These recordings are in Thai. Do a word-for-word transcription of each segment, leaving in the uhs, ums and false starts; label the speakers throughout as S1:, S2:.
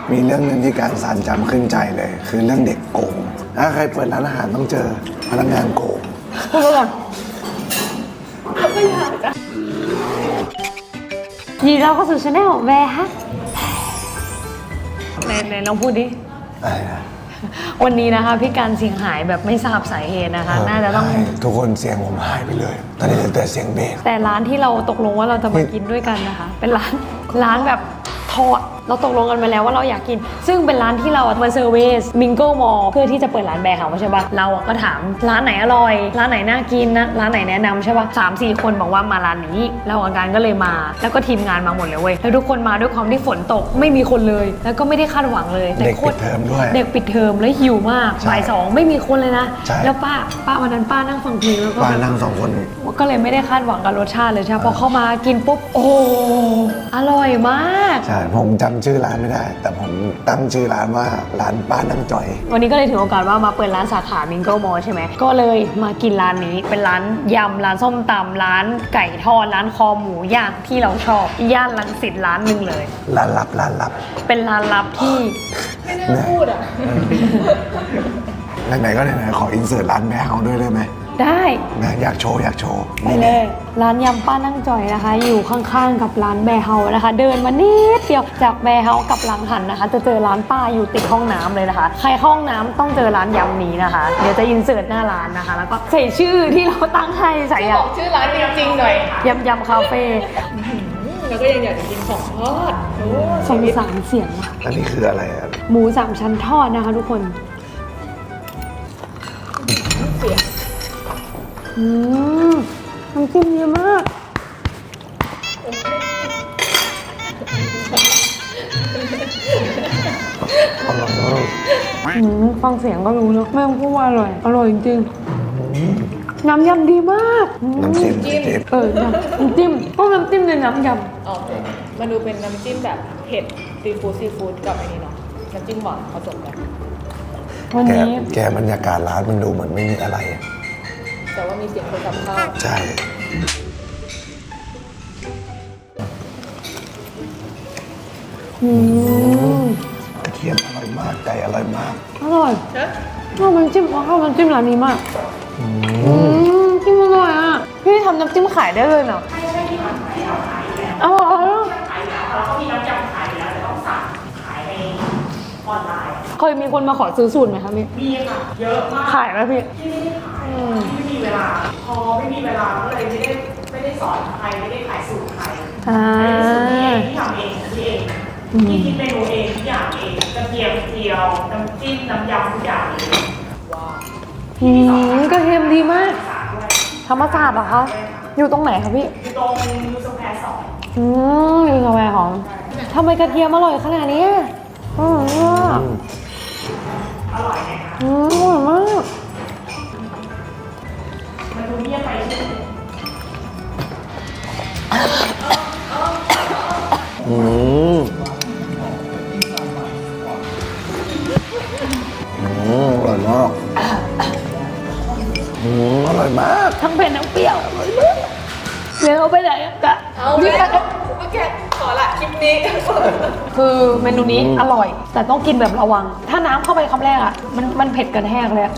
S1: มีเรื่องนึงที่การสานจำขึ้นใจเลย คือเรื่องเด็กโกงถ้าใครเปิดร้านอาหารต้องเจอพนักงานโกง
S2: พูดก่อนก็อยากจะยินดีเราเข้าสู่ชาแนลแวร์ฮะไหนไหนลองพูดดิ
S1: อะไรนะ
S2: วันนี้นะคะพี่การเสียงหายแบบไม่ทราบสาเหตุนะคะน่าจะต้อง
S1: ทุกคนเสียงผมหายไปเลยตอนนี้เหลือแต่เสียงเบส
S2: แต่ร้านที่เราตกลงว่าเราจะมากินด้วยกันนะคะเป็นร้านร้านแบบทอดเราตกลงกันมาแล้วว่าเราอยากกินซึ่งเป็นร้านที่เรามาเซอร์เวสมิงโก้มอลเพื่อที่จะเปิดร้านแบร์เฮาส์ใช่ปะเราก็ถามร้านไหนอร่อยร้านไหนน่ากินนะร้านไหนแนะนำใช่ปะสามสี่คนบอกว่ามาร้านนี้แล้วอาการก็เลยมาแล้วก็ทีมงานมาหมดเลยเว้ยแล้วทุกคนมาด้วยความที่ฝนตกไม่มีคนเลยแล้วก็ไม่ได้คาดหวังเลย
S1: เด็กปิดเทอมด้วย
S2: เด็กปิดเทอมแล้วหิวมากบ่ายสองไม่มีคนเลยนะแล้วป้าป้าวันนั้นป้านั่งฟังเพลงแล้วก็
S1: ป้านั่งสองคน
S2: ก็เลยไม่ได้คาดหวังกับรสชาติเลยใช่พอเข้ามากินปุ๊บโอ้อร่อยมาก
S1: ใช่ผมจำชื่อร้านไม่ได้แต่ผมตั้งชื่อร้านว่าร้านป้านั่งจ่อย
S2: วันนี้ก็เลยถือโอกาสว่ามาเปิดร้านสาขามิงโก้มอลใช่ไหมก็เลยมากินร้านนี้เป็นร้านยำร้านส้มตำร้านไก่ทอดร้านคอหมูย่างที่เราชอบย่านรังสิตร้านหนึ่งเลย
S1: ร้านลับร้านลับ
S2: เป็นร้านลับที่
S3: ไม่น่าพูดอ่ะ
S1: ไหนๆก็ไหนๆขออินเสิร์ตร้านแบร์เฮาส์ด้วยได้ไหม
S2: ได้
S1: นะอยากโชว์อยากโชว์
S2: ไปเลยร้านยำป้านั่งจ่อยนะคะอยู่ข้างๆกับร้านแบร์เฮาส์นะคะเดินมานิดเดียวจากแบร์เฮาส์กับหลังหันนะคะจะเจอร้านป้าอยู่ติดห้องน้ำเลยนะคะใครห้องน้ำต้องเจอร้านยำนี้นะคะเดี๋ยวจะอินเสิร์ตหน้าร้านนะคะแล้วก็ใส่ชื่อที่เราตั้งให้ใส่ยำ
S3: บอกชื่อร้านจริงๆหน่อย
S2: ยำยำคาเฟ่
S3: แล้วก็ยังอยากจะกินของทอดโอ้
S2: สงสารเสียง
S1: อันนี้คืออะไรครับ
S2: หมูสามชั้นทอดนะคะทุกคน
S3: เสียง
S2: อืมน้ำจิ้มเยอะมาก
S1: อร่อยมาก
S2: ฟังเสียงก็รู้เนอะแม่งพูดว่าอร่อยอร่อยจริงๆน้ำยำดีมาก
S1: น้ำจิ้ม
S2: เออน้ำจิ้มต้องน้ำจิ้มในน้ำย
S3: ำอ๋อมันดูเป็นน้ำจิ้มแบบเผ็ดซีฟู้ดซีฟู้ดกับไอ้นี่เนาะน้ำจิ้มหวานผสมกัน
S2: วันนี้
S1: แกบรรยากาศร้านมันดูเหมือนไม่มีอะไร
S3: แต่ว่ามีเสียงคนทำข้าว
S1: ใช่กระเทียมอร่อยมากไก่อร่อยมาก
S2: อร่อยข้าวมันจิ้มข้าวมันจิ้มร้านนี้มากจิ้มอร่อยอ่ะพี่ทำน้ำจิ้มขายได้เลยเนาะอร่อยเขามีน้ำจิ้มขายแล้วจะต้องสั่งขายในออนไลน์เคยมีคนมาขอซื้อสูตรไหมคะพี่
S4: มีค่ะเยอะมาก
S2: ขายไหมพี่
S4: ที่ไม่ได้ขายไม่มีเวลาพอไม่มีเวลาก็เลยไม่ได้ไม่ได้สอนใครไม่ได้ขายสูตรใคร
S2: อ่า
S4: ที่ทำเองที่เองที่คิดเมนูเองทุกอย่างเองกระเทียมเจียวน้ำจิ้มน้ำยำทุกอย่างเองว้าว
S2: อืมกระเทียมดีมากธรรมศาสตร์เหรอคะอยู่ตรงไหนคะพี่
S4: อยู่ตรงยูสแควร์สอง
S2: อืมยูสแควร์ของทำไมกระเทียมอร่อยขนาดนี้อร่อยมาก
S4: อร่อยไหมคะ
S2: อืมอร่อยมาก
S4: มันดูเงียบไปใช่ไหม
S1: อืมอืมอร่อยมากอืมอร่อยมาก
S2: ทั้งเผ็ดทั้งเปรี้ยวอร่อยมากเดี๋ยวเอาไปไหนกะ
S3: เอาไปโอเคขอละคลิปนี้
S2: คือเมนูนี้อร่อยแต่ต้องกินแบบระวังถ้าน้ำเข้าไปคำแรกอ่ะมันมันเผ็ดกันแห้งเลย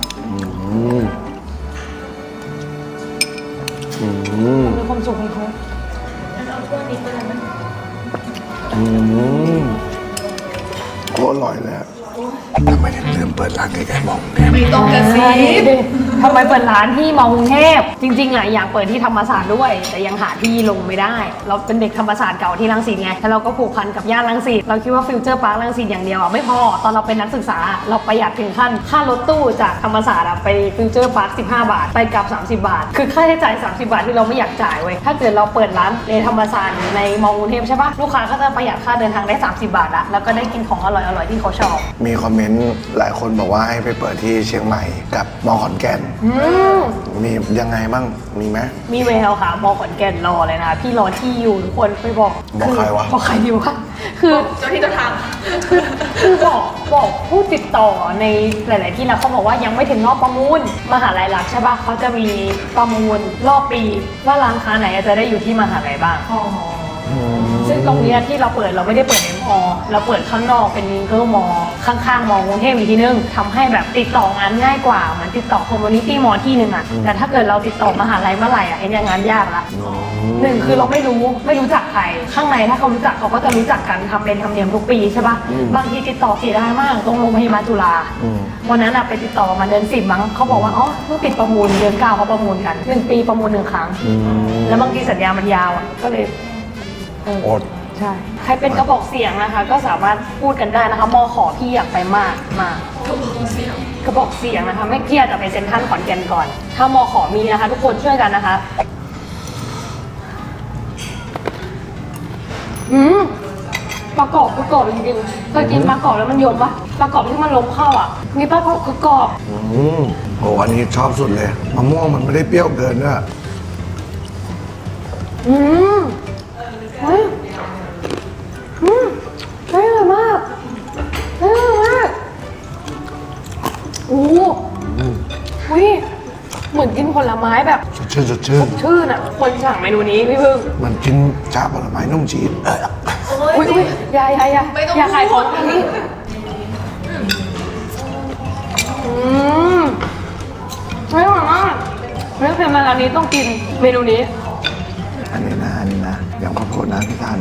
S2: มีความสุขของเขา
S3: เอาถ้วยนี้ไปเลยไหม
S1: อืมโคตรอร่อยเลยทำไมถึงลืมเปิดร้านใกล้ๆมองเนี่ย
S3: ไม่ต้องกระซิบ
S2: ทำไมเปิดร้านที่มอกรุงเทพจริงๆอ่ะอยากเปิดที่ธรรมศาสตร์ด้วยแต่ยังหาที่ลงไม่ได้เราเป็นเด็กธรรมศาสตร์เก่าที่รังสิตไงแล้วเราก็ผูกพันกับย่านรังสิตเราคิดว่าฟิวเจอร์พาร์ครังสิตอย่างเดียวอ่ะไม่พอตอนเราเป็นนักศึกษาเราประหยัดถึงขั้นค่ารถตู้จากธรรมศาสตร์ไปฟิวเจอร์พาร์คสิบห้าบาทไปกลับสามสิบบาทคือค่าใช้จ่ายสามสิบบาทที่เราไม่อยากจ่ายเว้ยถ้าเกิดเราเปิดร้านในธรรมศาสตร์ในมอกรุงเทพใช่ปะลูกค้าก็จะประหยัดค่าเดินทางได้สามสิบบาทละแล้วก็ได้กินของอร่อยๆที่เขาชอบ
S1: มีคอมเมนต์หลายคนบอกว่าให้ไปเปิดที่เชียงใหม่กับมอขอนแก่นมียังไงบ้างมีไหม
S2: มีแววค่ะมอขอนแก่นรอเลยนะพี่รอที่อยู่ทุกคนไปบอก
S1: บอกใครวะ
S2: บอกใครดีวะคือ
S3: เจ้าที่เจ้าทาง
S2: คือบอกบอกผู้ติดต่อในหลายๆที่แล้วเขาบอกว่ายังไม่ถึงรอบประมูลมหาลัยหลักใช่ป่ะเขาจะมีประมูลรอบปีว่าร้านค้าไหนจะได้อยู่ที่มหาลัยบ้างซึ่งตรงนี้ที่เราเปิดเราไม่ได้เปิดในมออเราเปิดข้างนอกเป็นมิงเกิลมอข้างๆมอกรุงเทพอีกทีนึงทำให้แบบติดต่องานง่ายกว่าเหมือนติดต่อคอมมูนิตี้มอที่หนึ่งอะแต่ถ้าเกิดเราติดต่อมหาลัยเมื่อไหร่อะเอ็นยังงานยากละหนึ่งคือเราไม่รู้ไม่รู้จักใครข้างในถ้าเขารู้จักเขาก็จะรู้จักกันทำเป็นธรรมเนียมทุกปีใช่ปะบางทีติดต่อเสียดายมากตรงโรงพยาบาลจุฬาวันนั้นอะไปติดต่อมาเดือนสิบมั้งเขาบอกว่าอ๋อเพิ่งปิดประมูลเดือนเก้าเขาประมูลกันหนึ่งปีประมูลหนึ่งครั้งแล้วบางทีสัญญามันยาวอะก็เลยเออ
S1: อด
S2: ใช่ใครเป็นกระบอกเสียงนะคะ ก็สามารถพูดกันได้นะคะมอขอพี่อยากไปมากมากกระบอกเสียงนะคะไม่เครียดแต่ไปเซ็นทรัลขอนแก่นก่อน ถ้ามอขอมีนะคะ ทุกคนช่วยกันนะคะอืมปลากรอบคือกรอบจริงๆเคยกินปลากรอบแล้วมันยมปะปลากรอบที่มันล้มเข้าอ่ะนี่ปลากรอบคือกรอบ
S1: อืมโหอันนี้ชอบสุดเลยมะม่วงมันไม่ได้เปรี้ยวเกินด้วย
S2: อืมเฮ้ยอืมเฮ้ยอร่อยมากเฮ้ยอร่อยมากโอ้โหอุ้ยเหมือนกินผลไม้แบบ
S1: สดชื่นสดชื่น
S2: ชื่นอ่ะ คนสั่งเมนูนี้พี่พึ่ง
S1: มันกินชาผลไม้นุ่มชีสเออ
S2: อุ้ยอุ้ยอยาอยาอยาอย่าขายของอันนี้อืมเฮ้ยอร่อยมากเรื่องเพลงมาร้านนี้ต้องกินเมนูนี้
S1: อันนี้นะอันนี้นะอย่างข้าวโพดนะพี่ทาน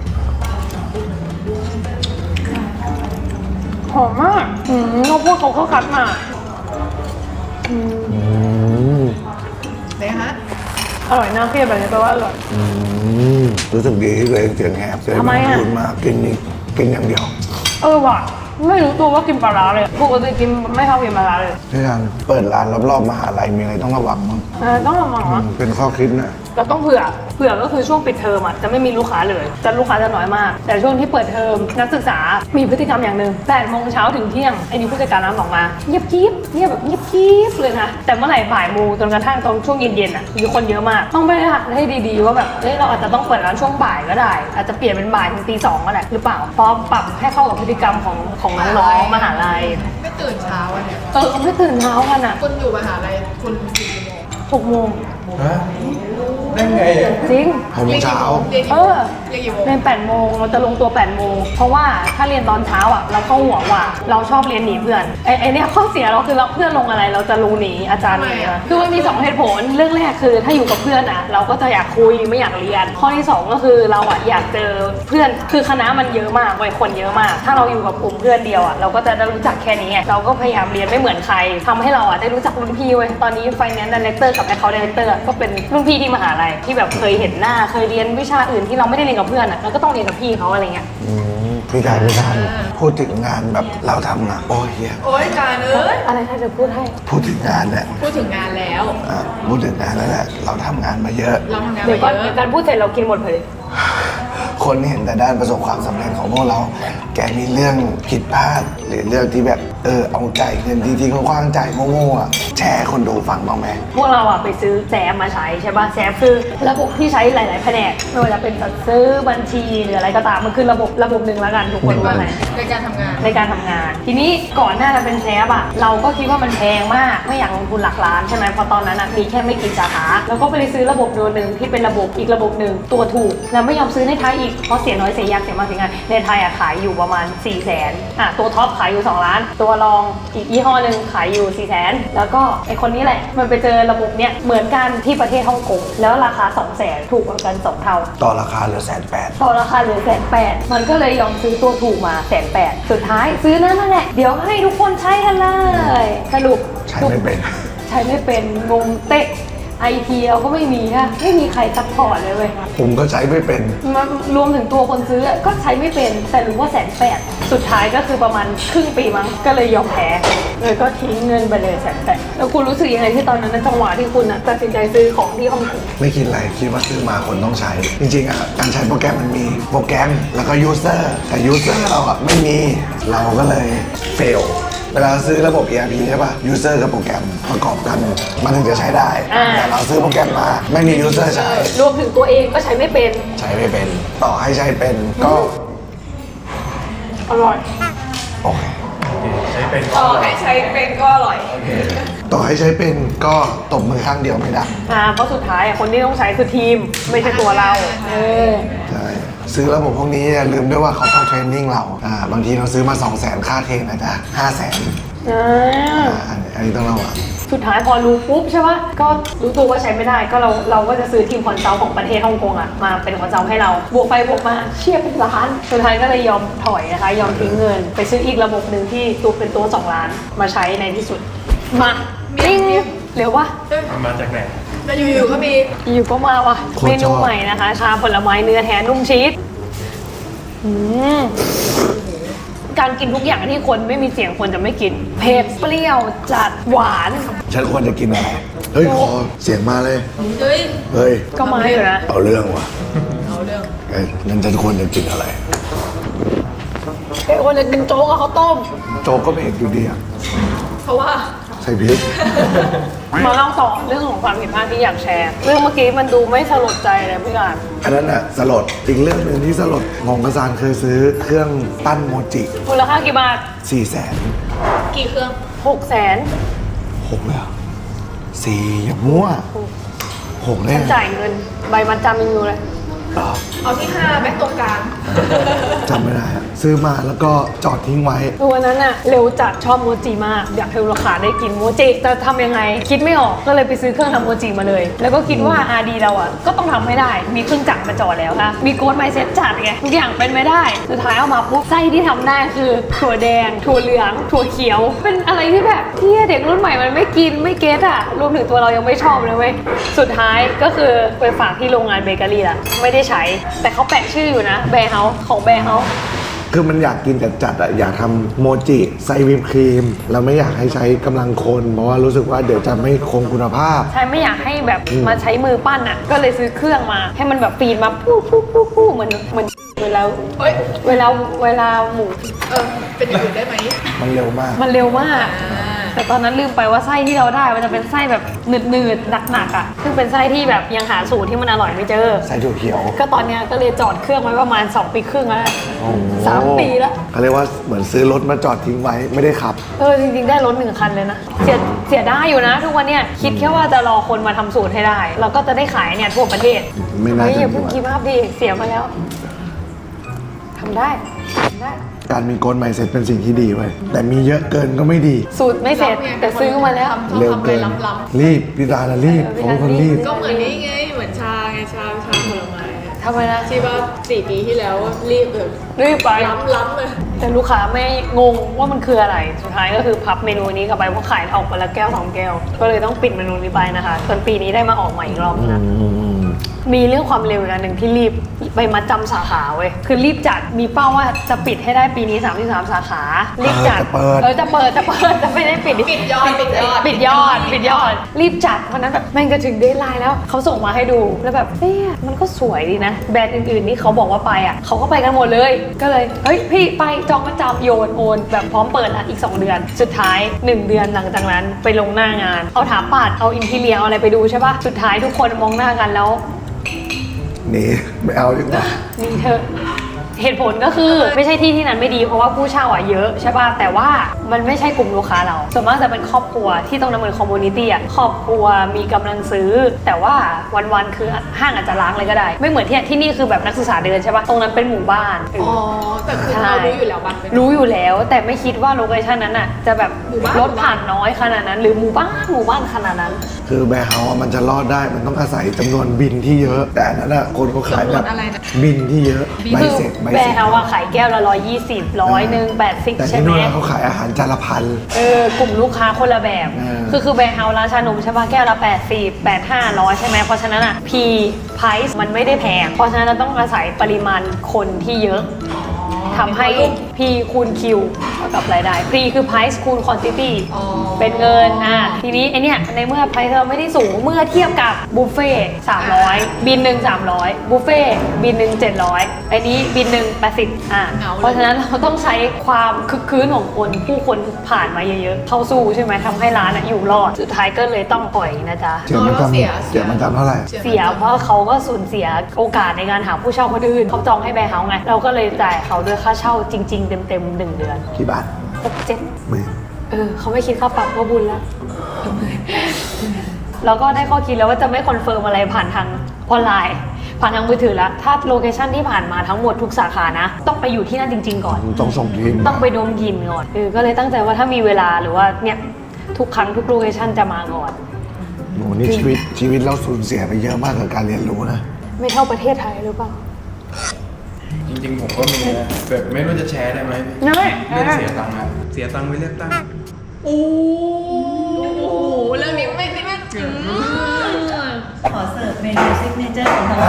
S2: หอมมากอืมข้าวโพดเขาก็คัดมาอืม
S1: อืม
S3: ไหนฮะ
S2: อร่อยน่าเพียบแบบนี้แปลว่าอร่อย
S1: อืมรู้สึกดีที่ตัวเองเสียงแหบเลย
S2: ทำไมอะ
S1: พูดมากินนี่กินอย่างเดียว
S2: เออว่ะไม่รู้ตัวว่ากินปลาร้าเลยปกติกินไม่ชอบกินปลาร้าเลย
S1: พี่ทานเปิดร้านรอบๆมหาลัยมีอะไรต้องระวังมั้ง
S2: เออต้องระวัง
S1: อื
S2: นะ
S1: มเป็นข้อคิดนะ
S2: เราต้องเผื่อ เผื่อก็คือช่วงปิดเทอมอ่ะจะไม่มีลูกค้าเลยจะลูกค้าจะน้อยมาก แต่ช่วงที่เปิดเทอมนักศึกษา มีพฤติกรรมอย่างหนึ่งแปดโมงเช้าถึงเที่ยงไอ้นี่ผู้จัดการร้านบอกมาเงียบกิ๊บเงียบแบบเงียบกิ๊บเลยนะแต่เมื่อไหร่บ่ายโมงจนกระทั่งตอนช่วงเย็นๆอ่ะมีคนเยอะมาก ต้องไปหักให้ดีๆว่าแบบเอ้ยเราอาจจะต้องเปิดร้านช่วงบ่ายก็ได้ อาจจะเปลี่ยนเป็นบ่ายถึงตีสองก็ได้หรือเปล่าเพราะปรับให้เข้ากับพฤติกรรมของของน้องๆมหาลัย
S3: ไม่ตื่นเช้าวันเนี้ย
S2: เออเขาไม่ตื่นเช้ากันอ่ะ
S3: คุณอยู่มหาลัยคุณกี่โมง
S2: หกโมง
S1: ฮะได้ไง
S2: จริง
S1: หกโมงเช้า
S3: เรียนกี่
S2: เอ
S3: โมง
S2: อ
S3: เรียนกี่โมง
S2: เรียนแปดโมงเราจะลงตัวแปดโมงเพราะว่าถ้าเรียนตอนเช้าอ่ะเราเข้าหัวว่าเราชอบเรียนหนีเพื่อนไอ้ไอ้เนี่ยข้อเสียเราคือเราเพื่อนลงอะไรเราจะรู้หนีอาจารย์หนีอะคือมันมีสองเหตุผลเรื่องแรกคือถ้าอยู่กับเพื่อนอ่ะเราก็จะอยากคุยไม่อยากเรียน ข้อที่สองก็คือเราอ่ะอยากเจอเพื่อนคือคณะมันเยอะมากวัยคนเยอะมาก ถ้าเราอยู่กับกลุ่มเพื่อนเดียวอ่ะเราก็จะได้รู้จักแค่นี้ไงเราก็พยายามเรียนไม่เหมือนใครทำให้เราอ่ะได้รู้จักรุ่นพี่เว้ยตอนนี้ Finance Director กับ Account Director ก็เป็นรุ่นพี่ที่มหาลัยที่แบบเคยเห็นหน้าเคยเรียนวิชาอื่นที่เราไม่ได้เรียนกับเพื่อนอ่ะเราก็ต้องเรียนกับพี่เขาอะไรเงี้ย
S1: อืมพี่ทานพี่ทานพูดถึงงานแบบเราทำงานโอ้ยเฮีย
S3: โอ๊ยการเอ้ย
S2: อะไรถ้าจะพูดให้
S1: พูดถึงงานเนี่ย
S3: พูดถึงงานแล้ว
S1: อ่ะพูดถึงงานแล้วแหละเราทำงานมาเยอะ
S3: เราทำงาน
S2: เดี๋ยว
S3: มา
S2: ก่อน
S3: เย
S2: เดี๋ยว
S3: อะ
S2: การพูดเสร็จเรากินหมดเลย
S1: คนเห็นแต่ด้านประสบความสำเร็จของพวกเรา แกมีเรื่องผิดพลาดหรือเรื่องที่แบบเออเอาใจเงินที่ที่เขาคว้างใจโง่ๆอ่ะแชร์ให้คนดูฟังบ้างไหม
S2: พวกเราอะไปซื้อแซมมาใช้ใช่ป่ะแซมคือระบบที่ใช้หลาย ๆ แผนกไม่ว่าจะเป็นจัดซื้อบัญชีหรืออะไรก็ตามมันคือระบบระบบหนึ่งแล้วกันทุกคนว่าไง
S3: ในการทำงาน
S2: ในการทำงาน ทีนี้ก่อนหน้าจะเป็นแซมอะเราก็คิดว่ามันแพงมากไม่อยากลงทุนหลักล้านใช่ไหมเพราะตอนนั้นอะมีแค่ไม่กี่สาขาแล้วก็ไปซื้อระบบตัวหนึ่งที่เป็นระบบอีกระบบหนึ่งตัวถูกแล้วไม่ยอมซื้อในไทยอีกเพราะเสียน้อยเสียยากเสียมากเสียง่ายในไทยอะขายอยู่ประมาณ4ี่แสนอ่ะตัวท็อปขายอยู่สองล้านตัวรองอีกยี่ห้อหนึ่งขายอยู่สี่แสนแล้วก็ไอคนนี้แหละมันไปเจอระบบเนี้ยเหมือนกันที่ประเทศฮ่องกงแล้วราคาสองแสนถูกกว่ากันสองเท่า
S1: ต่อราคาเหลือแสนแปด
S2: ต่อราคาเหลือแสนแปดมันก็เลยยอมซื้อตัวถูกมาแสนแปดสุดท้ายซื้อนั่นนั่นแหละเดี๋ยวให้ทุกคนใช้กันเลยสรุป
S1: ใช้ไม่เป็น
S2: ใช้ไม่เป็นงงเตะไอทีเราก็ไม่มีค่ะไม่มีใครซัพพอร์ตเลยเว้ย
S1: ผมก็ใช้ไม่เป็น
S2: มารวมถึงตัวคนซื้อก็ใช้ไม่เป็นแต่รู้ว่าแสนแปดสุดท้ายก็คือประมาณครึ่งปีมั้งก็เลยยอมแพ้เลยก็ทิ้งเงินไปเลยแสนแปดแล้วคุณรู้สึกยังไงที่ตอนนั้นในจังหวะที่คุณตัดสินใจซื้อของที่ฮ่องกง
S1: ไม่คิดอะไรคิดว่าซื้อมาคนต้องใช้ จริงๆอ่ะการใช้โปรแกรมมันมีโปรแกรมแล้วก็ยูเซอร์แต่ยูเซอร์เราอ่ะไม่มีเราก็เลยเฟลเวลาซื้อระบบ อี อาร์ พี ใช่ป่ะยูเซอร์กับโปรแกรมประกอบกันมันถึงจะใช้ได้
S2: อ่า
S1: แต่เราซื้อโปรแกรมมาไม่มียูเซอร์ใช้
S2: รวมถึงตัวเองก็ใช้ไม่เป็น
S1: ใช้ไม่เป็นต่อให้ใช้เป็นก็
S2: อร่อย
S1: โอเค
S3: ต่อให้ใช้เป็นก็อร่อย
S1: ต่อให้ใช้เป็นก็ตบมือข้างเดียวไม่ได้
S2: อ่าเพราะสุดท้ายอ่ะคนที่ต้องใช้คือทีมไม่ใช่ตัวเราเออ
S1: ใช่ซื้อระบบพวกนี้อย่าลืมด้วยว่าเขาต้องเทรนนิ่งเราอ่าบางทีเราซื้อมา สองแสนค่าเทรนอาจจะห้าแสน
S2: อ่า
S1: อ่าอันนี้อันนี้ต้องระวัง
S2: สุดท้ายพอรู้ปุ๊บใช่ปะก็รู้ตัวว่าใช้ไม่ได้ก็เราเราก็จะซื้อทีมคอนซัลท์ของประเทศฮ่องกงอะมาเป็นคอนซัลท์ให้เราบวกไปบวกมาเชี่ยเป็นล้านสุดท้ายก็เลยยอมถอยนะคะยอมทิ้งเงิน ไปซื้ออีกระบบหนึ่งที่ตัวเป็นตัวสองล้านมาใช้ในที่สุดมาปิ้งเร็ววะ
S5: มันมาจากไหน
S3: แล้วอยู่ๆก็มี
S2: อยู่ก็มาว่ะ
S1: โคตร
S2: เม
S1: ช
S2: นู
S1: อบ
S2: ใหม่นะคะชาผลไม้เนื้อแท้นุ่มชีสอืมการกินทุกอย่างที่คนไม่มีเสียงคนจะไม่กินเผ็ดเปรี้ยวจัดหวาน
S1: ฉันควรจะกินอะไร เฮ้ย ขอเสียงมาเลย
S3: เฮ้ย
S1: เฮ้ย
S2: ก็มาอยู่นะ
S1: เอาเรื่องว่ะ
S3: เอาเรื่อง
S1: เอ้ยงั้นฉันควรจะกินอะไร
S2: เอ้ยคนจะกินโจ๊กกับข้าวต้ม
S1: โจ๊กก็เผ็ดอยู่ดีอะ
S3: เพราะว่า
S1: ใส่พริก
S2: มาเล่าต่อเรื่องของความผิดพลาดที่อยากแชร์ เรื่องเมื่อกี้มันดูไม่สลดใจเลยพี่การ
S1: อันนั้นอะสลด อีกเรื่องหนึ่งที่สลดงงกระซานเคยซื้อเครื่องปั้นโมจิ
S2: มูลค่ากี่บาท
S1: สี่แสน
S3: กี่เครื่อง
S2: หกแสน
S1: หกเลยเหรอสี่อย่ามั่วหกเลย
S2: ฉันจ่ายเงิน ใบมัดจำยังอยู่เลย
S1: เหรอ
S3: เอาที่ห้าแบ็คตรงกลาง
S1: จำไม่ได้อะซื้อมาแล้วก็จอดทิ้งไว้
S2: วันนั้นอะเร็วจัดชอบโมจิมาก อยากให้ลูกค้าได้กินโมจิจะทำยังไง คิดไม่ออกก็เลยไปซื้อเครื่องทำโมจิมาเลย แล้วก็คิดว่าอาดีเราอะก็ต้องทำให้ได้ มีเครื่องจักรมาจอดแล้วค่ะมีโค้ดไมเซ็ตจัดไงทุกอย่างเป็นไม่ได้ สุดท้ายเอามาปุ๊บไส้ที่ทำได้คือถั่วแดง ถั่วเหลือง ถั่วเขียว เป็นอะไรที่แบบที่เด็กรุ่นใหม่มันไม่กินไม่เก็ตอะรวมถึงตัวเรายังไม่ชอบเลยเว้ยสุดท้ายก็คือไปฝากที่โรงงานเบเกอรี่ละไม่ได้ใช้แต่เขาแปะชื่ออยู่นะแบร์เฮาส์ของแบร์เฮาส์
S1: คือมันอยากกินจัดๆอะอยากทำโมจิใส่วิปครีมแล้วไม่อยากให้ใช้กำลังคน เพราะว่ารู้สึกว่าเดี๋ยวจะไม่คงคุณภาพ
S2: ใช่ไม่อยากให้แบบ
S1: อืม
S2: มาใช้มือปั้นอ่ะ ก็เลยซื้อเครื่องมา ให้มันแบบปีนมาปู้ปู้ปู้ปู้เหมือนเหมือนเวลา
S3: เฮ้ย
S2: เวลาเวลาหมู
S3: เออ เป็นอย่างอื่นได้ไหม
S1: มันเร็วมาก
S2: มันเร็วมาก
S3: อ่า
S2: แต่ตอนนั้นลืมไปว่าไส้ที่เราได้มันจะเป็นไส้แบบหนืดหนืดๆหนักๆอ่ะซึ่งเป็นไส้ที่แบบยังหาสูตรที่มันอร่อยไม่เจอ
S1: ใส่ถั่วเขียว
S2: ก็ตอนเนี้ยก็เลยจอดเครื่องไว้ประมาณสองปีครึ่งแล้ว
S1: โอ้โห
S2: สามปีแล้ว
S1: เขาเรียกว่าเหมือนซื้อรถมาจอดทิ้งไว้ไม่ได้ขับ
S2: เออจริงๆได้รถหนึ่งคันเลยนะเสียเสียได้อยู่นะ ทุกวันเนี้ยคิดแค่ว่าจะรอคนมาทำสูตรให้ได้ เราก็จะได้ขายเนี่ยทั่วประเทศ
S1: ไม่น่า
S2: เฮ้ย
S1: จะ
S2: อย่าเพิ่งคิดมากดิเสียมาแล้วทำได้ทำได้
S1: การมีโกลไมเซ็ตเป็นสิ่งที่ดีไว้ยแต่มีเยอะเกินก็ไม่ดี
S2: สูตรไม่เสร็จแต่ซื้อมาแล้ว
S3: ทำ
S1: เร็ว
S3: ทำอะไร
S1: เกิน
S3: ล้ำ
S1: รีบพี่ตาละรีบ
S2: เออ
S1: ผมเป็นคนรีบ
S3: ๆก็เหมือนนี้ไง เหมือนชาไง ชา ชาผลไม้
S2: ทำไมนะ
S3: ที่ว่าสี่ปีที่แล้วรีบแบบ
S2: รีบไป
S3: ล้ำล้ำๆเลย
S2: แต่ลูกค้าไม่งงว่ามันคืออะไร สุดท้ายก็คือพับเมนูนี้กลับไปเพราะขายออกไปละแก้วสองแก้ว ก็เลยต้องปิดเมนูนี้ไปนะคะจนปีนี้ได้มาออกใหม่อีกรอบนึงนะ มีเรื่องความเร็วอีกอันหนึ่งที่รีบไปมัดจำสาขาเว้ย คือรีบจัด มีเป้าว่าจะปิดให้ได้ปีนี้สามสิบสามสาขา รีบจัด
S1: เปิด
S2: เออจะเปิดจะเปิดจะไม่ได้ปิด
S3: ปิดยอด ปิดยอด
S2: ปิดยอด ปิดยอด รีบจัดวันนั้นแบบแม่งจะถึงเดทไลน์แล้ว เขาส่งมาให้ดู แล้วแบบเนี่ยมันก็สวยดีนะ แบรนด์อื่นๆที่เขาบอกว่าไปอ่ะ เขาก็ไปกันหมดเลย ก็เลย เฮ้ยพี่ไปจองประจำโยนโอนแบบพร้อมเปิดละอีกสองเดือน สุดท้ายหนึ่งเดือนหลังจากนั้นไปลงหน้างาน เอาถาปัด เอาอินทีเรียเอาอะไรไปดูใช่ปะสุดท้ายทุกคนมองหน้ากันแล้ว
S1: หนีไม่เอาดีกว่า
S2: นี่เธอเหตุผลก็คือไม่ใช่ที่ที่นั้นไม่ดีเพราะว่าผู้เช่าอ่ะเยอะใช่ป่ะแต่ว่ามันไม่ใช่กลุ่มลูกค้าเราส่วนมากจะเป็นครอบครัวที่ตรงนั้นเหมือนคอมมูนิตี้อ่ะครอบครัวมีกำลังซื้อ แต่ว่าวันๆคือห้างอาจจะล้างเลยก็ได้ ไม่เหมือนที่ที่นี่คือแบบนักศึกษาเดินใช่ป่ะตรงนั้นเป็นหมู่บ้าน
S3: อ๋อ แต่คือเรารู้อยู่แล้วบ้านเป็น
S2: รู้อยู่แล้วแต่ไม่คิดว่าโลเคชั่นนั้นอ่ะจะแบบ
S3: หมู่บ้าน
S2: รถผ่านน้อยขนาดนั้น หรือหมู่บ้านหมู่บ้านขนาดนั้น
S1: คือแบร์เฮาส์อะมันจะรอดได้มันต้องอาศัยจำนวนบินที่เยอะ แต่อันนั้นอะคนเขาขายแบบ
S3: จำนวนอะไรนะ
S1: บินที่เยอะใบ
S2: คือ
S1: เสร็จใบ
S2: แบร
S1: เสร็
S2: น
S1: จ
S2: ด์เอาอะขายแก้วละร้อยยี่สิบร้อยหนึ่งแปดสิบ
S1: แต่
S2: ใช่
S1: ที่
S2: ไหม
S1: นู่นเขาขายอาหารจานละพัน
S2: เออกลุ่มลูกค้าคนละแบบ
S1: เออ
S2: คือคือแบรนด์เฮาส์ร้านชานมใช่ปะแก้วละแปดสิบ แปด ห้าร้อยใช่ไหมเพราะฉะนั้นอ่ะ P price มันไม่ได้แพง เพราะฉะนั้นเราต้องอาศัยปริมาณคนที่เยอะทำให้ P คูณ Q เท่ากับรายได้ P คือ price คูณ quantity
S3: อ๋อ
S2: เป็นเงินอ่ะทีนี้ไอเนี้ยในเมื่อ price เราไม่ได้สูงเมื่อเทียบกับบุฟเฟ่สามร้อยบินหนึ่งสามร้อยบุฟเฟ่บินหนึ่งเจ็ดร้อยไอ้นี้บินหนึ่งแปดสิบอ่ะ
S3: เอาเลย
S2: เพราะฉะนั้นเราต้องใช้ความคึกคืนของคนผู้คนผ่านมาเยอะๆ เข้าสู้ใช่ไหมทำให้ร้านอะอยู่รอด สุดท้ายก็เลยต้องปล่อยนะจ๊ะ
S1: เสียมัน
S3: เราเสีย
S1: จำเสียมันจำเท่าไหร่
S2: เสียเพราะเขาก็สูญเสียโอกาสในการหาผู้เช่าคนอื่นเขาจองให้แบร์เฮาส์ไง เราก็เลยจ่ายเขาด้วยค่าเช่าจริง ๆ เต็มๆหนึ่งเดือน
S1: กี่บาท
S2: หกเจ็ด
S1: หมื่น
S2: เออเขาไม่คิดค่าปรับก็บุญแล้ว เราก็ได้ข้อคิดแล้วว่าจะไม่คอนเฟิร์มอะไรผ่านทางออนไลน์ผ่านทางมือถือแล้วถ้าโลเคชั่นที่ผ่านมาทั้งหมดทุกสาขานะต้องไปอยู่ที่นั่นจริง ๆก่อน
S1: ต้องส่งทีม
S2: ต้องไปดมกลิ่นก่อนเออก็เลยตั้งใจว่าถ้ามีเวลาหรือว่าเนี่ยทุกครั้งทุกโลเคชั่นจะมาก่อน
S1: โหนี่ชีวิตชีวิตเราสูญเสียไปเยอะมากกับการเรียนรู้นะ
S2: ไม่เท่าประเทศไทยหรือเปล่า
S5: จริงๆผมก็มีนะแบบไม่รู้จะแชร์ได้ไหม
S2: ได้
S5: เรื่องเสียตังค์อะเสียตังค์ไปเลือกตั้ง
S2: โอ้โหเรื่องนี้ไม่ไม่ไม่
S6: ขอเสิร์ฟเมนูซิกเนเจอร์ของทางร้าน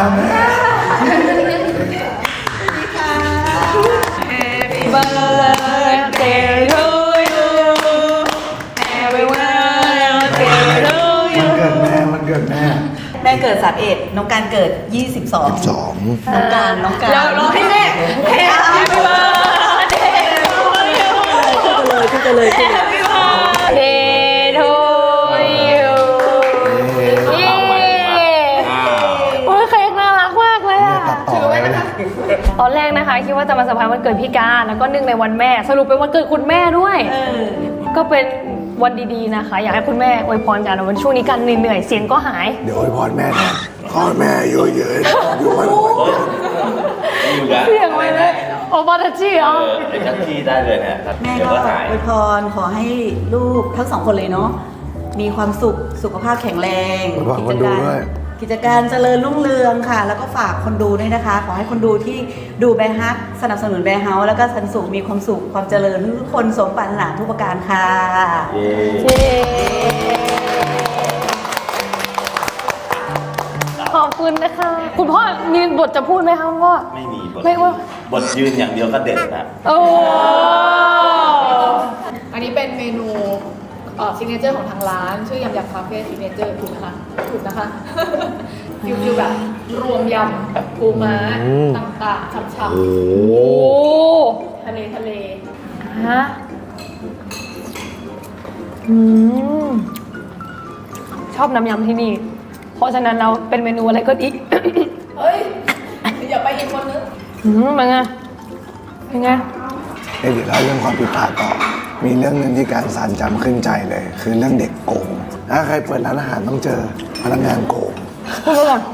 S2: Happy birthday to you Happy birthday to
S1: มัน
S2: you
S1: เกิดแม่มันเกิดแม่
S6: แม่เกิดสามเอ็ดน้องการเกิดยี่สิบสอง
S1: สอง
S6: น้องการน้องการ
S2: เรารอให้แม่ Happy birthday to you
S6: ขึ้นไปเลยขึ้นไปเลย
S2: Happy birthday to you เย้โอ้ยเค้กน่ารักมากเลย
S1: เนี่ย
S2: อะ
S1: ตัดต่อไว้นะ
S2: ตอนแรกนะคะคิดว่าจะมาเซอร์ไพรส์วันเกิดพี่การแล้วก็เนื่องในวันแม่สรุปเป็นวันเกิดคุณแม่ด้วย
S6: เออ
S2: ก็เป็นวันดีๆนะคะ อยากให้คุณแม่อวยพรกันวันช่วงนี้กันเหนื่อยๆเสียงก็หาย
S1: เดี๋ยวอวยพรแม่แทนขอให้แม่อยู่เยอะๆอยู่วันวัน
S7: อยู่นะ
S2: เสียงไปเลยโอบาตาจิอ๋อ
S7: เออเป็นทักที่ได้เลยนะครับ
S6: แม่
S7: เดี๋ยว
S6: ก็
S7: ก็หาย
S6: อวยพรขอให้ลูกทั้งสองคนเลยเนาะมีความสุขสุขภาพแข็งแรง
S1: อวยพรคนดูด้วย
S6: กิจการเจริญรุ่งเรืองค่ะ แล้วก็ฝากคนดูด้วยนะคะ ขอให้คนดูที่ดูแบร์ฮักสนับสนุนแบร์เฮาส์แล้วก็สันสุขมีความสุขความเจริญทุกคนสมปรารถนาทุกประการค่ะ
S7: เย้
S2: เย้ขอบคุณนะคะ คุณพ่อมีบทจะพูดไหมคะคุณพ่อ
S7: ไม่มีบท
S2: ไม่ว่า
S7: บทยืนอย่างเดียวก็เด็ดนะ
S2: โอ้
S3: อันนี้เป็นเมนูเอ่อซิกเนเจอร์ของทางร้าน ชื่อยำยำคาเฟ่ซิกเนเจอร์ถูกนะคะถูกนะคะ ฟิวฟิวแบบรวมยำปูม้าต่างๆฉ่ำ
S1: โอ้
S2: โห
S3: ๆทะเลทะเล
S2: ฮะอืมชอบน้ำยำที่นี่ เพราะฉะนั้นเราเป็นเมนูอะไรก็ดี
S3: เฮ้ย อย่าไปอีกคนนึง
S2: อืมเป็นไงเป็นไง
S1: เอ้ยเดี๋ยวเล่าเรื่องความผิดพลาดต่อ มีเรื่องหนึงที่การสานจำขึ้นใจเลย คือเรื่องเด็กโกง ถ้าใครเปิดร้านอาหารต้องเจอพนักงานโกง
S2: พูดไปก่อน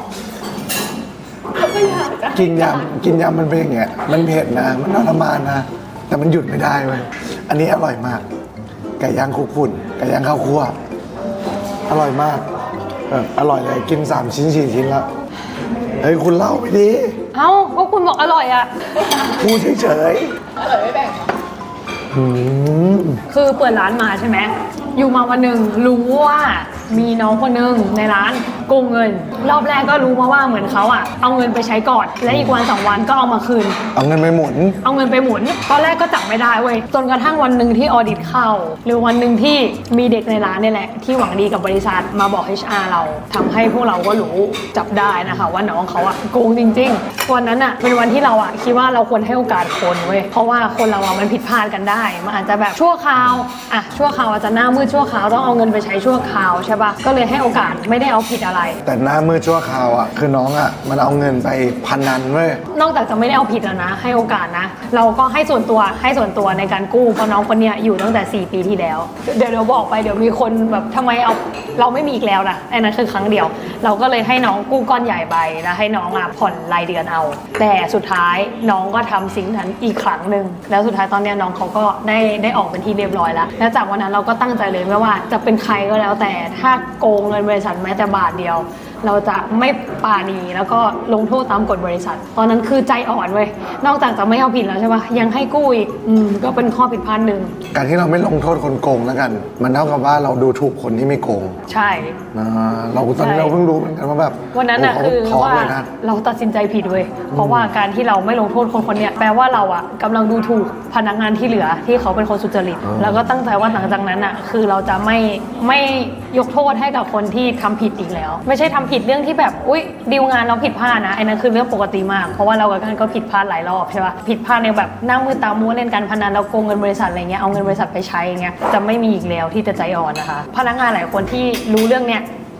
S1: กินยำกินยำมันเป็นอย่างเงี้ย มันเผ็ดนะ มันทรมานนะ แต่มันหยุดไม่ได้เว้ย อันนี้อร่อยมาก ไก่ย่างคลุกฝุ่น ไก่ย่างข้าวคั่ว อร่อยมากแบบอร่อยเลย กินสามชิ้นสี่ชิ้นละ เฮ้ยคุณเล่าไปดิ
S2: เอ้าก็คุณบอกอร่อยอ่ะ
S1: พูดเฉย
S3: อร่อยไม่แบ่ง
S1: ๆอืม
S2: คือเปิดร้านมาใช่ไหม อยู่มาวันหนึ่งรู้ว่ามีน้องคนหนึ่งในร้านโกงเงิน รอบแรกก็รู้มาว่าเหมือนเขาอ่ะเอาเงินไปใช้ก่อน และอีกวันสองวันก็เอามาคืน
S1: เอาเงินไปหมุน
S2: เอาเงินไปหมุน ตอนแรกก็จับไม่ได้เว้ย จนกระทั่งวันหนึ่งที่ออดิตเข้า หรือวันหนึ่งที่มีเด็กในร้านเนี่ยแหละ ที่หวังดีกับบริษัทมาบอก เอช อาร์ เราทำให้พวกเราก็รู้จับได้นะคะว่าน้องเขาอะโกงจริงๆ วันนั้นอะเป็นวันที่เราอะคิดว่าเราควรให้โอกาสคนเว้ย เพราะว่าคนเราอะมันผิดพลาดกันได้ มันอาจจะแบบชั่วคราวอะชั่วคราวอาจจะหน้ามืดชั่วคราวต้องเอาเงินไปใช้ชั่วคราวใช่ปะก็เลยให้โอกาสไม่ได้เอาผิดอะไร
S1: แต่หน้ามือชั่วคราวอ่ะ คือน้องอ่ะ มันเอาเงินไปพันนันเว้ย
S2: นอกจากจะไม่ได้เอาผิดแล้วนะ ให้โอกาสนะ เราก็ให้ส่วนตัวให้ส่วนตัวในการกู้เพราะน้องคนเนี้ยอยู่ตั้งแต่สี่ปีที่แล้ว เดี๋ยวเดี๋ยวบอกไปเดี๋ยวมีคนแบบทำไมเอาเราไม่มีอีกแล้วนะอันนั้นคือครั้งเดียว เราก็เลยให้น้องกู้ก้อนใหญ่ไปแล้วให้น้องอ่ะผ่อนรายเดือนเอา แต่สุดท้ายน้องก็ทำสิ่งนั้นอีกครั้งหนึ่งแล้วสุดท้ายตอนเนี้ยน้องเขาก็ได้ได้ออกเป็นที่เรียบร้อยแล้วแล้วจากวันนั้นเราก็ตั้งใจเลยไม่ว่าจะเป็นใครก็แล้วแต่ถ้าโกงเงินบริษัทแม้แต่บาทเดียว เราจะไม่ปราณีแล้วก็ลงโทษตามกฎบริษัท ตอนนั้นคือใจอ่อนเว้ยนอกจากจะไม่เอาผิดแล้วใช่ปะยังให้กู้อีกอืมก็เป็นข้อผิดพลาดหนึ่ง
S1: การที่เราไม่ลงโทษคนโกงแล้วกัน มันเท่ากับว่าเราดูถูกคนที่ไม่โกง
S2: ใช่
S1: อ่าเราตอนนี้
S2: ใช่
S1: เราเพิ่งรู้เหมือนกันว่าแบบ
S2: วันนั้นอะ
S1: โโห
S2: คือ
S1: เขาท้
S2: ว่า
S1: เลยนะ
S2: เราตัดสินใจผิดเว้ยเพราะว่าการที่เราไม่ลงโทษคนคนเนี้ยแปลว่าเราอะกำลังดูถูกพนักงานที่เหลือที่เขาเป็นคนสุจริต
S1: อ๋อ
S2: แล้วก็ตั้งใจว่าหลังจากนั้นอะคือเราจะไม่ไม่ยกโทษให้กับคนที่ทำผิดอีกแล้ว ไม่ใช่ทำผิดเรื่องที่แบบอุ้ยดีลงานเราผิดพลาดนะไอ้นั่นคือเรื่องปกติมากเพราะว่าเรากับกันก็ผิดพลาดหลายรอบใช่ปะผิดพลาดในแบบหน้ามือตามัวเล่นการพนันเราโกงเงินบริษัทอะไรเงี้ยเอาเงินบริษัทไปใช้อย่างเงี้ยจะไม่มีอีกแล้วที่จะใจอ่อนนะคะพนักงานหลายคนที่รู้เรื่องเนี้ย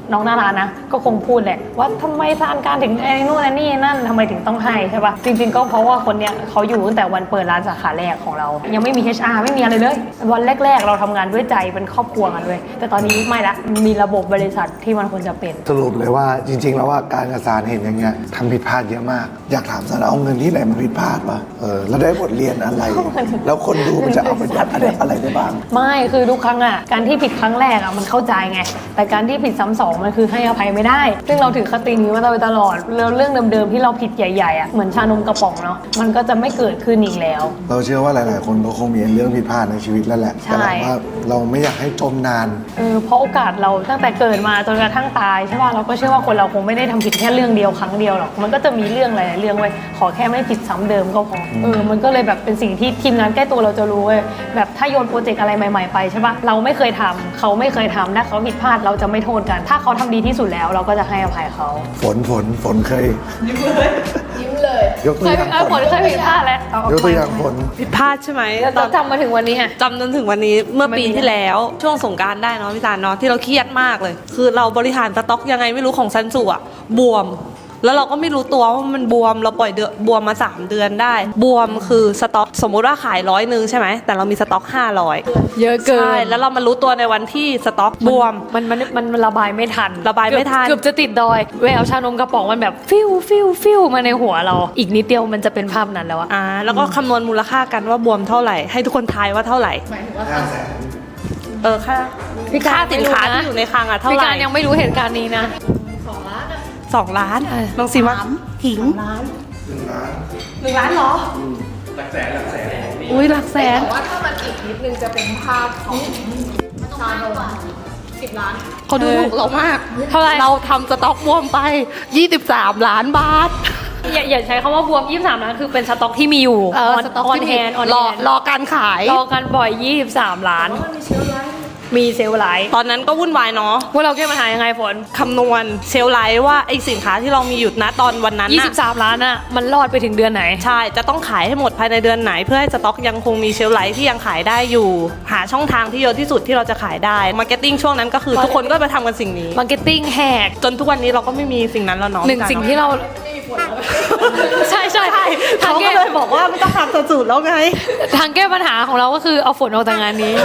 S2: น้องหน้าร้านนะก็คงพูดแหละว่าทำไมซานการถึงไอ้นู่นไอ้นี่นั่นทำไมถึงต้องให้ใช่ปะจริงๆก็เพราะว่าคนเนี้ยเขาอยู่ตั้งแต่วันเปิดร้านสาขาแรกของเรายังไม่มี เอช อาร์ ไม่มีอะไรเลยวันแรกๆเราทำงานด้วยใจเป็นครอบครัวกันเลยแต่ตอนนี้ไม่ละมีระบบบริษัทที่มันควรจะเป็น
S1: สรุปเลยว่าจริง ๆ แล้วว่าการกระสานเห็นอย่างเงี้ยทำผิดพลาดเยอะมากอยากถามซานเอาเงินที่ไหนมาผิดพลาดวะเออแล้วได้บทเรียนอะไร แล้วคนดูมันจะเอาไปยัดอะไรอะไรได้บ้าง
S2: ไม่คือทุกครั้งอ่ะการที่ผิดครั้งแรกอ่ะมันเข้าใจไงแต่การที่ผิดซ้ำสองมันคือให้อภัยไม่ได้ซึ่งเราถือคตินี้มาโดยตลอดแล้วเรื่องเดิมๆที่เราผิดใหญ่ๆอ่ะเหมือนชานมกระป๋องเนาะมันก็จะไม่เกิดขึ้นอีกแล้ว
S1: เราเชื่อว่าหลาย ๆ คนก็คงมีเรื่องผิดพลาดในชีวิตแล้วแหละ
S2: ใช่
S1: แต่เราว่าเราไม่อยากให้จมนาน
S2: เออเพราะโอกาสเราตั้งแต่เกิดมาจนกระทั่งตายใช่ป่ะเราก็เชื่อว่าคนเราคงไม่ได้ทำผิดแค่เรื่องเดียวครั้งเดียวหรอกมันก็จะมีเรื่องหลายๆเรื่องไว้ยขอแค่ไม่ผิดซ้ำเดิมก็พอเออมันก็เลยแบบเป็นสิ่งที่ทีมงานใกล้ตัวเราจะรู้เว้ยแบบถ้าโยนโปรเจกต์อะไรใหม่ ๆ ไปใช่ป่ะเราไม่เคยทำเขาไม่เคยทำถ้าเขาผิดพลาดเราจะไม่โทษกัน ถ้าเขาทำดีที่สุดแล้วเราก็จะให้อภัยเขา
S1: ฝนฝนฝนเคย
S3: ยิ้มเลยยิ้มเลย
S1: ยกตัว
S2: เค
S1: อย ย่าง
S2: เออ
S1: ฝ
S2: ผ
S1: น
S2: ลเคยผิดพลาดแล้วเ
S1: ยกตัวอย่างฝน
S8: ผิดพลาดใช่ไหมต
S2: เรา
S8: อน
S2: จำมาถึงวันนี้อะ
S8: จำจนถึงวันนี้เมื่อปีที่แล้วช่วงสงกรานต์ได้เนาะพี่ตาลเนาะที่เราเครียดมากเลย คือเราบริหารสต็อกยังไงไม่รู้ของซันสุอะบวม แล้วเราก็ไม่รู้ตัวว่ามันบวมเราปล่อยเดือนบวมมาสามเดือนได้ บวมคือสต็อกสมมุติว่าขายร้อยหนึ่งใช่ไหมแต่เรามีสต็อกห้าร้อย
S2: เยอะเกิน
S8: ใช่แล้วเรามารู้ตัวในวันที่สต็อกบวม
S2: มันมันมันมันระบายไม่ทัน
S8: ระบายไม่ทัน
S2: เกือบเกือบจะติดดอยแววชานมกระป๋องมันแบบฟิวฟิวฟิวมาในหัวเรา อีกนิดเดียวมันจะเป็นภาพนั้นแล้วอะ
S8: อ่าแล้วก็คำนวณมูลค่ากันว่าบวมเท่าไหร่ ให้ทุกคนทายว่าเท่าไหร่
S3: หมายถึงว่า
S1: ห้าแสน
S8: เออค่า
S2: พี่การ
S8: ค่าสินค้า
S2: ไม่รู้นะ
S8: ที่อยู่ในคลังอะเท่า
S2: พี่
S8: ไหร่
S2: การยังไม่รู้เหตุการณ์นี้นะ
S3: สองล้านอะ
S8: สองล้านน้องซีว่า
S6: ถิง
S8: หนึ่งล้านเหรอหลักแสนหลักแสนอุ้ยหลักแสน
S3: แต่ว่าถ้ามันอีกนิดนึงจะเป็นภาพของชาโนสิบล้าน
S8: เขาดูถูกเรามาก
S2: เท่าไหร่
S8: เราทำสต็อกบวมไป ยี่สิบสาม ล้านบาท
S2: อย่าอย่าใช้คำว่าบวมยี่สิบสามล้านคือเป็นสต็อกที่มีอยู่
S8: เออ
S2: on
S8: สต็อก
S2: on
S8: ที่มี
S2: hand on
S8: รอ
S2: hand
S8: รอการขาย
S2: รอกันบ่อยยี่สิบสามล้าน มีเซลล์ไลท์
S8: ตอนนั้นก็วุ่นวายเนาะ
S2: พวกเราแก้ปัญหายังไงฝน
S8: คำนวณเซลลไลท์ว่าไอสินค้าที่เรามีอยู่ณตอนวันนั้น
S2: ยี่
S8: น่ะ
S2: สิบสามล้านอะมันรอดไปถึงเดือนไหน
S8: ใช่ จะต้องขายให้หมดภายในเดือนไหน เพื่อให้สต็อกยังคงมีเชลฟ์ไลท์ที่ยังขายได้อยู่ หาช่องทางที่เยอะที่สุดที่เราจะขายได้มาร์เก็ตติ้งช่วงนั้นก็คือทุกคนก็ไปทำกันสิ่งนี้
S2: มาร์เก็ตติ้งแหก
S8: จนทุกวันนี้เราก็ไม่มีสิ่งนั้นแล้วเนาะ
S2: หนึ่งสิ่งที่เรา ใช่ใช่ทา
S8: เขา
S2: ง
S8: ก็
S2: แก้
S8: เลยบอกว่าไม่ต้องทำสูตรแล้วไง
S2: ทางแก้ปัญหาของเราก็คือเอาฝนออกจากงานนี้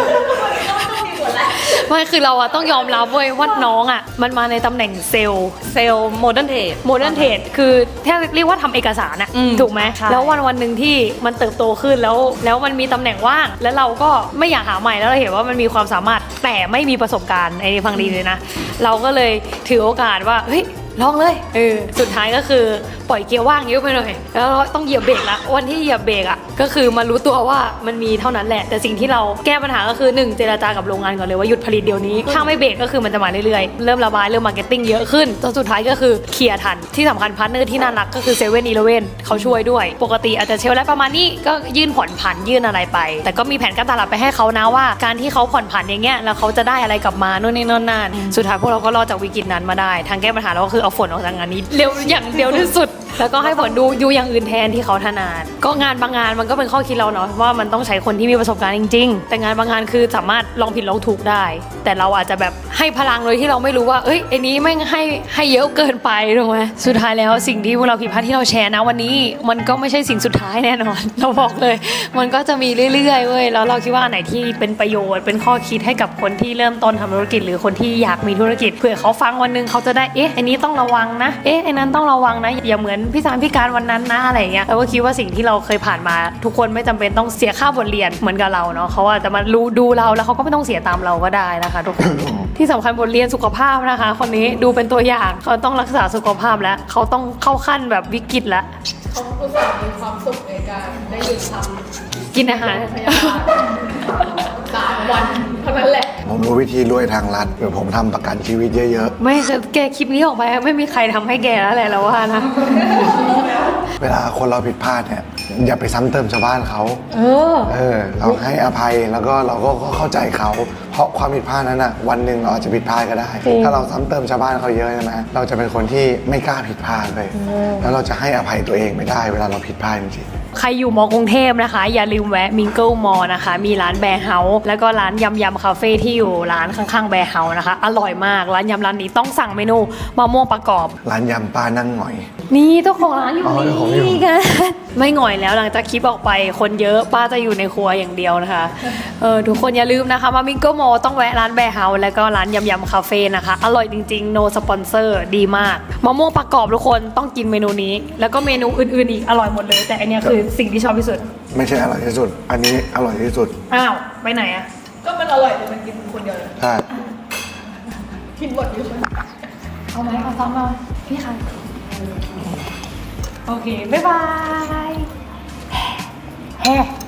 S2: ไม่คือเราอะต้องยอมรับเว้ยว่าน้องอะมันมาในตำแหน่งเซลล์
S8: เซลล์โมเดิร์นเทรด
S2: โมเดิร์นเทรดคือแค่เรียกว่าทำเอกสารอะ
S8: อืม
S2: ถูกไหม
S8: ใช่
S2: แล้ววันวันหนึ่งที่มันเติบโตขึ้นแล้ว แล้วมันมีตำแหน่งว่าง แล้วเราก็ไม่อยากหาใหม่แล้วเราเห็นว่ามันมีความสามารถแต่ไม่มีประสบการณ์ไอ้นี่ฟังดีเลยนะ เราก็เลยถือโอกาสว่าเฮ้ยลองเลยเออสุดท้ายก็คือปล่อยเกียร์ว่างเยอะไปหน่อยแล้วเราต้องเหยียบเบรกละวันที่เหยียบเบรกอะก็คือมารู้ตัวว่ามันมีเท่านั้นแหละ แต่สิ่งที่เราแก้ปัญหาก็คือหนึ่งเจรจากับโรงงานก่อนเลยว่าหยุดผลิตเดี๋ยวนี้ถ้าไม่เบรกก็คือมันจะมาเรื่อยๆเริ่มระบายเริ่มมาร์เก็ตติ้งเยอะขึ้นจนสุดท้ายก็คือเคลียร์ทันที่สำคัญพาร์ทเนอร์ที่น่ารักก็คือเซเว่นอีเลฟเว่นเขาช่วยด้วยปกติอาจจะเชลได้ประมาณนี้ก็ยื่นผ่อนผันยื่นอะไรไป แต่ก็มีแผนการตลาดไปให้เขานะว่าการที่เขาผ่อนผันอย่างเงี้ยแล้วเขาจะได้อะไรกลับมาโน่นนี่นั่นนั่นสุดท้ายพวกเราก็รอดจากวิกฤตนั้นมาได้ทางแก้ปัญหาเราก็คือเอาฝนออกจากงานนี้เร็วอย่างเร็วที่สุด แล้วก็ให้ฝนดูดูอย่างอื่นแทนที่เขาถนัดก็งานบางงานมันก็เป็นข้อคิดเราเนาะว่ามันต้องใช้คนที่มีประสบการณ์จริงๆแต่งานบางงานคือสามารถลองผิดลองถูกได้ แต่เราอาจจะแบบให้พลังโดยที่เราไม่รู้ว่าเอ้ยไอ้นี้ไม่งให้ให้เยอะเกินไปถูกไหมสุดท้ายแล้วสิ่งที่พวกเราผิดพลาดที่เราแชร์นะวันนี้มันก็ไม่ใช่สิ่งสุดท้ายแน่นอน เราบอกเลย มันก็จะมีเรื่อยๆเว้ยแล้วเราคิดว่าอันไหนที่เป็นประโยชน์เป็นข้อคิดให้กับคนที่เริ่มต้นทำธุรกิจหรือคนที่อยากมีธุรกิจเผื่อเขาฟังวันหนึงเขาจะได้เอ๊ะอันนี้ต้องระวังนะเอ๊ะไอ้นั้นต้องระวังนะอย่าเหมือนพี่สารพี่การวันนั้นนะอะไรอย่างเงี้ยเราก็คิดว่าสิ่งที่เราเคยผ่านมาทุกคนไม่จำเป็นต้องเสียค่าบทเรียนเหมือนกับเราเนาะเขาอาจจะมารู้ดูเราแล้วเขาก็ไม่ต้องเสียตามเราก็ได้นะคะทุกคน ที่สำคัญบทเรียนสุขภาพนะคะ คนนี้ดูเป็นตัวอย่างเขาต้องรักษาสุขภาพแล้วเขาต้องเข้าขั้นแบบวิกฤตแล้ว
S3: เขาอุตส่าห์มีความสุขในการได้หยุดทำ
S2: กินอาหาร
S3: พยาบาลสามวันเท่านั้นแหละ
S1: ผมรู้วิธีรวยทางรัฐเดี๋ยวผมทำประกันชีวิตเยอะ
S2: ไม่แกคลิปนี้ออกไปไม่มีใครทำให้แกแล้วแหละเราว่านะ
S1: ๆ เวลาคนเราผิดพลาดเนี่ยอย่าไปซ้ำเติมชาวบ้านเขา
S2: เออ
S1: เออเราให้อภัยแล้วก็เราก็เข้าใจเขาเพราะความผิดพลาดนั้นอ่ะวันหนึ่งเราอาจจะผิดพลาดก็ได้
S2: จริง
S1: ถ้าเราซ้ำเติมชาวบ้านเขาเยอะใช่ไหมเราจะเป็นคนที่ไม่กล้าผิดพลาดเลยแล้วเราจะให้อภัยตัวเองไม่ได้เวลาเราผิดพลาดจริงๆ
S2: ใครอยู่มอกรุงเทพนะคะ อย่าลืมแวะมิงเกิลมอนะคะ มีร้านแบร์เฮาส์แล้วก็ร้านยำยำคาเฟ่ที่อยู่ร้านข้างๆแบร์เฮาส์นะคะ อร่อยมากร้านยำร้านนี้ต้องสั่งเมนูมะม่วงประกอบ
S1: ร้านยำป้านั่งหน่อย
S2: นี่เจ้าของร้านอยู่
S1: อ๋อเจ้าของอยู่
S2: นี่กัน ไม่หง่อยแล้วหลังจากคลิปออกไปคนเยอะป้าจะอยู่ในครัวอย่างเดียวนะคะเออทุกคนอย่าลืมนะคะมามิงเกิลมอต้องแวะร้านแบร์เฮาส์แล้วก็ร้านยำยำคาเฟ่นะคะอร่อยจริงๆ no sponsor ดีมากมะม่วงประกอบทุกคนต้องกินเมนูนี้ แล้วก็เมนูอื่นๆอีกอร่อยหมดเลย แต่อันเนี้ยคือสิ่งที่ชอบที่สุด
S1: ไม่ใช่อร่อยที่สุด อันนี้อร่อยที่สุด
S2: อ้าวไปไหนอะ
S3: ก็มันอร่อยแต่มันกินคนเดียวเลย
S1: ใช่
S3: กินหมดอยู่เลย
S2: เอาไหมเอาซ้อมมาพี่ค่ะโอเคบ๊ายบายแฮ่